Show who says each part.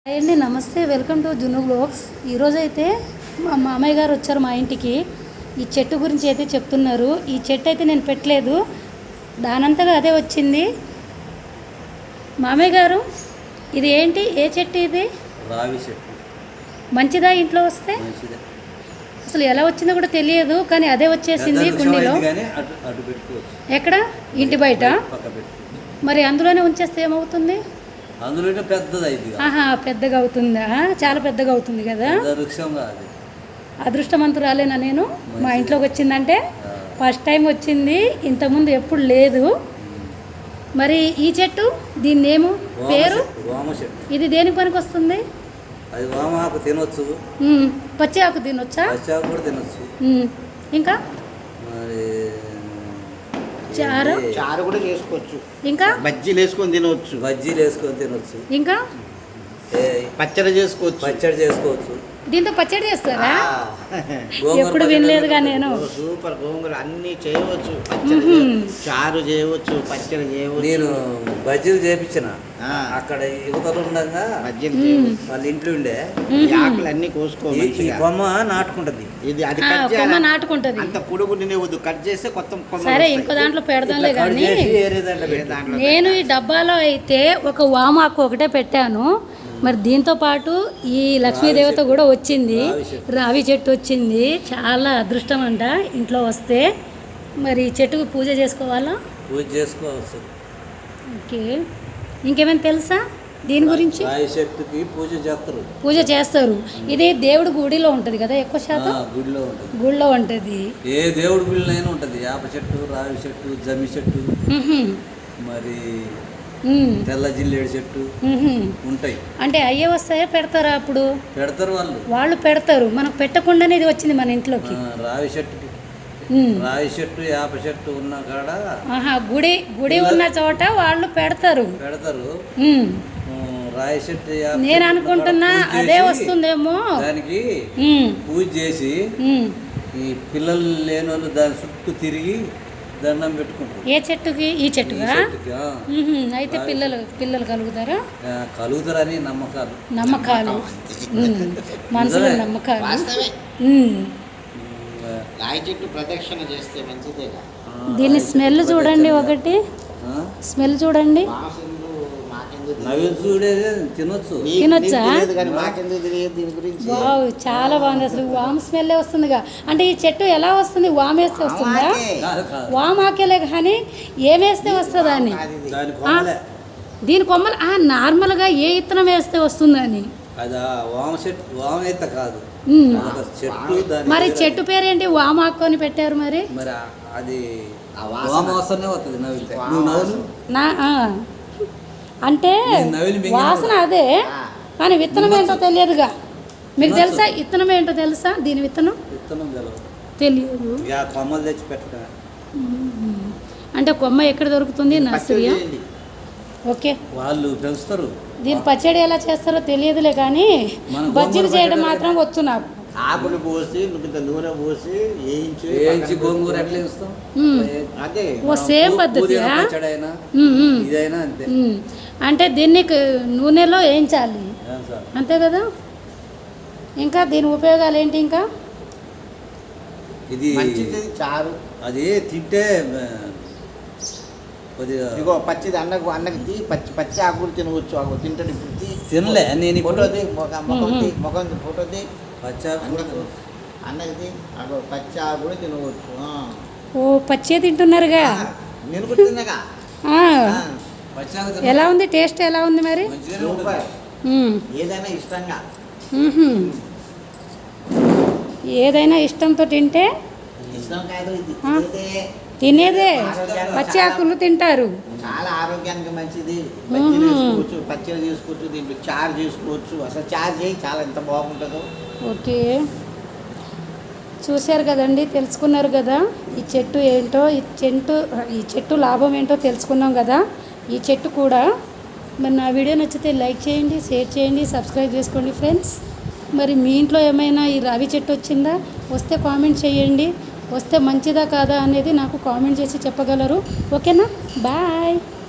Speaker 1: Hi అండి, నమస్తే. Welcome to Junnu vlogs. ఈరోజైతే మా మామయ్య గారు వచ్చారు మా ఇంటికి. ఈ చెట్టు గురించి అయితే చెప్తున్నారు. ఈ చెట్టు అయితే నేను పెట్టలేదు, దానంతగా అదే వచ్చింది. మామయ్య గారు, ఇది ఏంటి? ఏ చెట్టు ఇది?
Speaker 2: రావి చెట్టు.
Speaker 1: మంచిదా ఇంట్లో వస్తే? అసలు ఎలా వచ్చిందో కూడా తెలియదు, కానీ అదే వచ్చేసింది కుండీలో. ఎక్కడ? ఇంటి బయట. మరి అందులోనే ఉంచేస్తే ఏమవుతుంది?
Speaker 2: అందులో
Speaker 1: పెద్దగా అవుతుందా? చాలా పెద్దగా అవుతుంది కదా. అదృష్టవంతురాలేనా నేను? మా ఇంట్లోకి వచ్చిందంటే ఫస్ట్ టైం వచ్చింది, ఇంతకుముందు ఎప్పుడు లేదు. మరి ఈ చెట్టు, దీని నేము పేరు? ఇది దేనికి పనికి వస్తుంది?
Speaker 2: అది వామాకు తినొచ్చు,
Speaker 1: పచ్చి ఆకు తినొచ్చా?
Speaker 2: పచ్చి ఆకు కూడా తినొచ్చు.
Speaker 1: ఇంకా
Speaker 3: చారు కూడా చేసుకోవచ్చు.
Speaker 1: ఇంకా
Speaker 3: బజ్జీలు వేసుకొని తినవచ్చు.
Speaker 1: ఇంకా
Speaker 3: పచ్చడి చేసుకోవచ్చు.
Speaker 1: దీంతో పచ్చడి చేస్తారా? ఎప్పుడు వినలేదుగా నేను.
Speaker 3: సూపర్. గోంగూర అన్ని చేయవచ్చు. చారు చేయవచ్చు, పచ్చడి చేయవచ్చు.
Speaker 2: నేను బజ్జీలు చేపించిన అక్కడ యువతలు ఉండగా వాళ్ళ ఇంట్లో ఉండే
Speaker 3: ఆకులు అన్ని కోసుకోవాలి.
Speaker 2: ఈ కొమ్మ నాటుకుంటది.
Speaker 3: ఇది అది
Speaker 1: కొమ్మ నాటుకుంటది.
Speaker 3: అంత పొడుగు వద్దు, కట్ చేస్తే కొత్త.
Speaker 1: సరే, ఇంకో దాంట్లో పెడదాంలే. కానీ నేను ఈ డబ్బాలో అయితే ఒక వామాకు ఒకటే పెట్టాను. మరి దీంతో పాటు ఈ లక్ష్మీదేవత కూడా వచ్చింది, రావి చెట్టు వచ్చింది. చాలా అదృష్టం అంట ఇంట్లో వస్తే. మరి చెట్టుకు పూజ చేసుకోవాలా?
Speaker 2: పూజ చేసుకోవచ్చు.
Speaker 1: ఓకే. ఇంకేమైనా తెలుసా దీని గురించి?
Speaker 2: రావి చెట్టుకి పూజ
Speaker 1: చేస్తారు. ఇది దేవుడి గుడిలో ఉంటుంది కదా, ఎక్కువ శాతం గుడిలో ఉంటుంది.
Speaker 2: ఏ దేవుడి గుడిలో ఉంటుంది. వేప చెట్టు, రావి చెట్టు, జమ్మి చెట్టు, మరి తెల్ల జిల్లేడు చెట్టు ఉంటాయి.
Speaker 1: అంటే అయ్యే వస్తాయా? పెడతారా? అప్పుడు
Speaker 2: పెడతారు.
Speaker 1: వాళ్ళు పెడతారు. మనకు పెట్టకుండానే ఇది వచ్చింది మన ఇంట్లోకి.
Speaker 2: రావి చెట్టుకి, రావి చెట్టు, వేప చెట్టు ఉన్న కాడ
Speaker 1: గుడి ఉన్న చోట వాళ్ళు పెడతారు.
Speaker 2: రావి చెట్టు
Speaker 1: నేను అనుకుంటున్నా అదే వస్తుందేమో.
Speaker 2: దానికి పూజ చేసి ఈ పిల్లలు లేని వాళ్ళు దాని చుట్టూ తిరిగి దండం పెట్టుకుంటారు.
Speaker 1: ఏ చెట్టుకి? ఈ చెట్టుగా? అయితే పిల్లలు
Speaker 2: కలుగుతారని
Speaker 1: నమ్మకాలు మనసులో నమ్మకాలు.
Speaker 3: రాయి చెట్టు ప్రదక్షిణ చేస్తే మంచిదేగా.
Speaker 1: దీని స్మెల్ చూడండి, ఒకటి స్మెల్ చూడండి. తినొచ్చా? వావ్, చాలా బాగుంది. అసలు వామ్ స్మెల్ వస్తుందిగా. అంటే ఈ చెట్టు ఎలా వస్తుంది? వామ్ వేస్తే వస్తుందా? వామ్ ఆకేలే, కానీ ఏమేస్తే వస్తుందా అని. దీని కొమ్మలు నార్మల్గా ఏ ఇత్తనం వేస్తే వస్తుందని. మరి చెట్టు పేరేంటి? వామాకు అని పెట్టారు. మరి అంటే వాసన అదే, కానీ విత్తనం ఏంటో తెలియదుగా. మీకు తెలుసా విత్తనం ఏంటో? తెలుసా దీని విత్తనం? తెలియదు. అంటే కొమ్మ ఎక్కడ దొరుకుతుంది? నర్సరీ. ఓకే,
Speaker 2: వాళ్ళు పెంచుతారు.
Speaker 1: దీని పచ్చడి ఎలా చేస్తారో తెలియదులే, కానీ బజ్జీలు చేయడం మాత్రం వచ్చు నాకు.
Speaker 3: ఆకులు పోసి నూనె పోసి వేయించి
Speaker 2: గోంగూర ఎట్లా వేస్తాం?
Speaker 3: అదే
Speaker 1: సేమ్ పద్ధతి.
Speaker 2: అంతే.
Speaker 1: అంటే దీన్ని నూనెలో వేయించాలి, అంతే కదా. ఇంకా దీని ఉపయోగాలు ఏంటి? ఇంకా
Speaker 2: ఇది
Speaker 3: చారు, అది
Speaker 2: తింటే
Speaker 3: ఇగో పచ్చిది అన్నకి పచ్చి ఆకులు తినవచ్చు. ఆకు తింటాడు. ఇప్పుడు
Speaker 2: తినలే నేను.
Speaker 3: ముఖం ఫోటో అన్నది అగో పచ్చి ఆకు కూడా తినవచ్చు.
Speaker 1: ఓ, పచ్చే తింటున్నారుగా.
Speaker 3: నేను కూడా తిన్నాగా.
Speaker 1: ఎలా ఉంది? టేస్ట్ ఎలా ఉంది మరి?
Speaker 3: ఏదైనా ఇష్టంగా,
Speaker 1: ఏదైనా ఇష్టంతో తింటే
Speaker 3: ఇష్టం కాదు,
Speaker 1: తినేదే. పచ్చి ఆకులు తింటారు.
Speaker 3: చాలా ఆరోగ్యానికి మంచిది. పచ్చడి చేసుకోవచ్చు, దీంట్లో చారు చేసుకోవచ్చు. అసలు చారు చేయి, చాలా ఎంత బాగుంటుందో.
Speaker 1: ఓకే, చూశారు కదండి, తెలుసుకున్నారు కదా ఈ చెట్టు ఏంటో. ఈ చెట్టు లాభం ఏంటో తెలుసుకున్నాం కదా. ఈ చెట్టు కూడా మరి నా వీడియో నచ్చితే లైక్ చేయండి, షేర్ చేయండి, సబ్స్క్రైబ్ చేసుకోండి ఫ్రెండ్స్. మరి మీ ఇంట్లో ఏమైనా ఈ రావి చెట్టు వచ్చిందా? వస్తే కామెంట్ చేయండి. వస్తే మంచిదా కాదా అనేది నాకు కామెంట్ చేసి చెప్పగలరు. ఓకేనా? బాయ్.